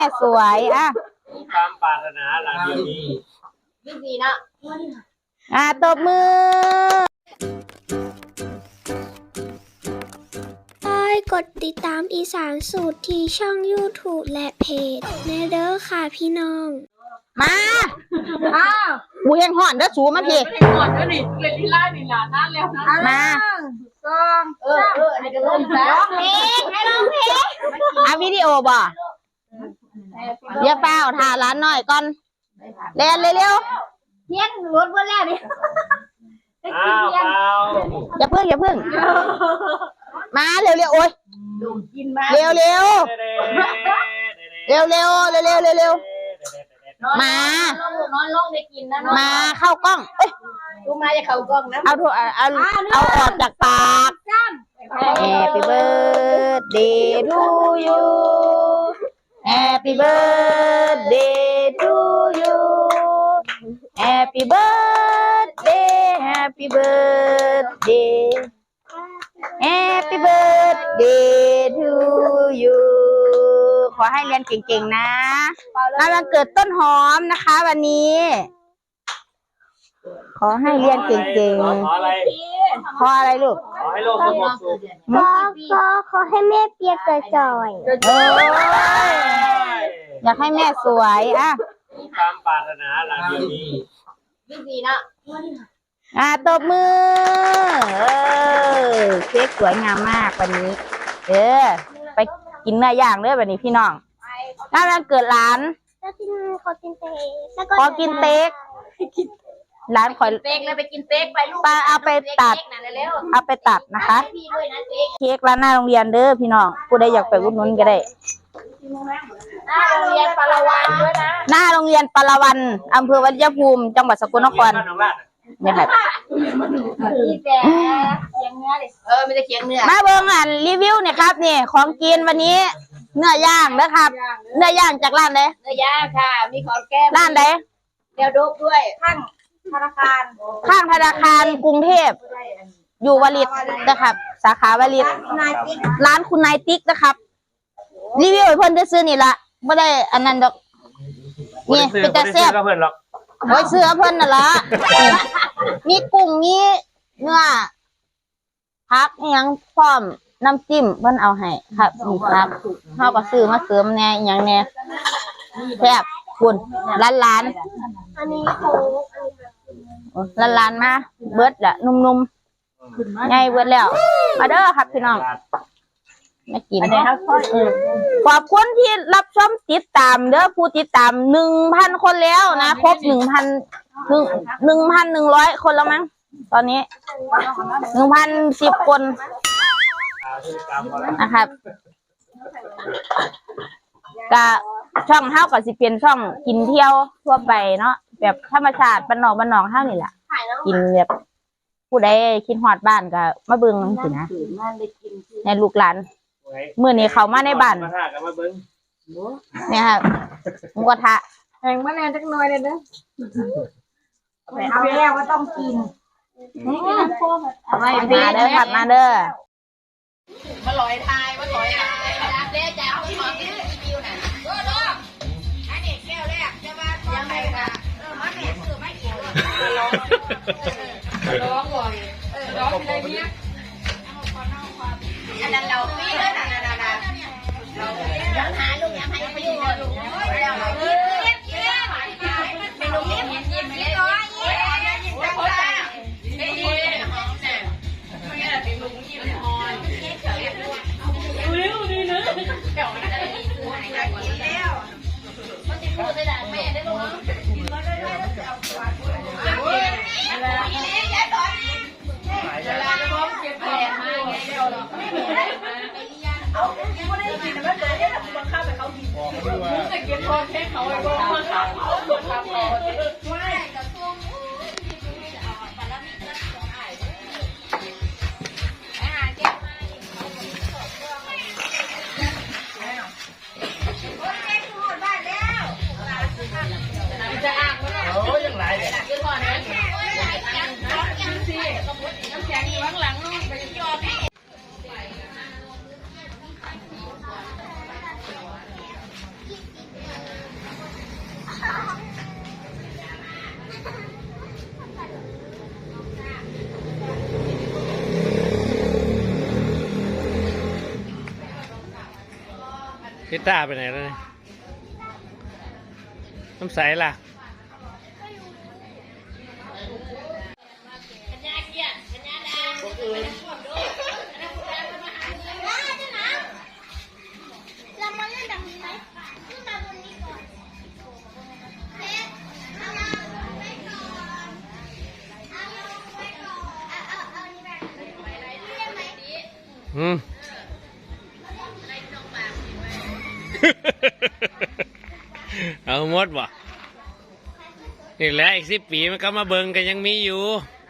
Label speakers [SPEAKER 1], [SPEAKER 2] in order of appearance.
[SPEAKER 1] สวยอ่ะ
[SPEAKER 2] ความปรารถนาหลังเดียวนี้
[SPEAKER 3] ดีนะ
[SPEAKER 1] ตบมือ
[SPEAKER 4] กดติดตามอีสานสูตรที่ช่อง YouTube และเพจแน่เด้อค่ะพี่น้อง
[SPEAKER 1] มากูยังห่อนเด้อสูมาพี่
[SPEAKER 3] ห่อนเด้อนี่เล่นที่ไล่นี่ล่ะนั่นแล้วนะ
[SPEAKER 1] มา
[SPEAKER 3] อันนี้ก็ร้องเพลงให้ร้องเพลง
[SPEAKER 1] เอาวิดีโอบ่อย่าเฝ้าถ่าร้านหน่อยก่อนเร็วเร็ว
[SPEAKER 3] เพี้ยนรถเมื่อแรกนี่
[SPEAKER 1] อย่าเพิ่งมาเร็วโอ้ยเร็วมาน
[SPEAKER 3] อนลงได้กินนะ
[SPEAKER 1] มาเข้ากล้อง
[SPEAKER 3] ดูมาจะเข้ากล้องนะ
[SPEAKER 1] เอาออกจากปาก Happy birthday to you Happy birthday to you Happy birthday Happy birthday Happy birthday to you ขอให้เรียนเก่งๆนะวันเกิดต้นหอมนะคะวันนี้ขอให้เรียนเก่งๆขออะไรลูก
[SPEAKER 2] ขอให้โลกสงบสุข
[SPEAKER 4] ขอให้แม่เปียกจ่อย
[SPEAKER 1] อยากให้แม่สวยอ่ะ
[SPEAKER 2] ความปรารถนาหลังเดียวนี้
[SPEAKER 3] ดีนะ
[SPEAKER 1] ตบมือเค้กสวยงามมากวันนี้ไปกินเนื้อย่างเด้อวันนี้พี่น้องวันเกิดร้าน
[SPEAKER 4] ขอกินเ
[SPEAKER 1] ต๊กร้านขอ
[SPEAKER 3] เต๊กเลยไปกินเต๊กไปลูก
[SPEAKER 1] เอาไปตัดนะคะเค้กร้านหน้าโรงเรียนเด้อพี่น้องผู้ใดอยากไปอุดหนุนก็ได้
[SPEAKER 3] หน้าโรงเรียนปารวันด้วยนะ
[SPEAKER 1] หน้าโรงเรียนปารวันอำเภอวัชรภูมิจังหวัดสกลนครเนี่ยครับ
[SPEAKER 3] มีแต่เคียงเนื้อเลยไม่ได้เคียงเนื้อ
[SPEAKER 1] มาเบิ่งรีวิวเนี่ยครับนี่ของกินวันนี้เนื้อย่างนะครับเนื้อย่างจากร้านใด
[SPEAKER 3] เนื้อย่างค่ะมีของแก้ม
[SPEAKER 1] ร้านใด
[SPEAKER 3] แก้วโดบด้วยข้างธนาคาร
[SPEAKER 1] กรุงเทพอยู่วลิตนะครับสาขาวลิตร้านคุณนายติ๊กนะครับรีวิวให้เพิ่นได้ซื้อนี่ละไม่ได้อันนั้นดอกนี่เป็นแต่แซ่บ
[SPEAKER 2] เพิ่นหรอก
[SPEAKER 1] โอ้ยเสื้อเพิ่นน่ะละมีกุ้งมีเนื้อผักยังพร้อมน้ำจิ้มเพิ่นเอาให้ครับนี่ครับเฮาก็ซื้อมาเสริมแน่หยังแน่แซ่บคุณล้าน
[SPEAKER 4] อันนี้
[SPEAKER 1] ล้านมาเบิดละนุ่มๆใหญ่เบิดแล้วมาเด้อครับพี่น้องมากินขอบคุณที่รับชมติดตามเด้อผู้ติดตาม 1,000 คนแล้วนะครบ 1,100 คนแล้วมั้งตอนนี้ 1,010 คนนะครับก็ช่องเฮาก็สิเป็นช่องกินเที่ยวทั่วไปเนาะแบบธรรมชาติบ้านนอกเฮานี่แหละกินแบบผู้ใดคิดฮอดบ้านก็มาเบิ่งสินะในลูกหลานมื้อนี้เขามาในบ้านเนี่ยครับหมูกระทะ
[SPEAKER 3] แห้งมาแน่จักหน่อยเลยเด้อเอาแล้วว่าต้องกิน
[SPEAKER 1] มาเด้อครับมาเด้อ
[SPEAKER 3] มาลอยทายเด้จะเอาของที่คิวน่ะดูอันนี้แก้วแรกจะมายังไงค่ะมาแม่ซื้อไม่กี่ร้องบ่อยร้องอะไรเนี่ยอันนั้นเราปีเลยนะเราหาลูกยังให้ไปอยู่ลูกเป็นลูกยิ้มเลยน้อยยิ้มเขาตาเป็นยิ้มหอมเนี่ยเขาเนี่ยเป็นลูกยิ้มหอมเร็วดีนะเดี๋ยวมันจะมีตัวไหนกันแล้วมันจะพูดได้แม่ได้ลงกินมาได้แล้วจะเอาตัวอะไรนี่แย่ต่อยเวลาจะร้องเก็บแผลมาไงเดี๋ยวเราเอายังไม่ได้กินแต่ไม่เลยเนี่ยบังคับแต่เขากินมึงจะเก็บพอแค่เขาไอ้บ้องบังคับเขาบังคับเขาไม่กับตัวมูปลามีกระสองไอ้อาหารเก็บมาจะอ่างมันโอ้ยังไรเนี่ยคือก่อนนะยังสิน้ำแข็งอยู่ข้างหลังไปยอมให้
[SPEAKER 5] พี่ต้าไปไหนแล้วเนี่ยน้ำใสล่ะเอาหมดบ่นี่แหละอีก10 ปีมันก็มาเบิ่งกันยังมีอยู่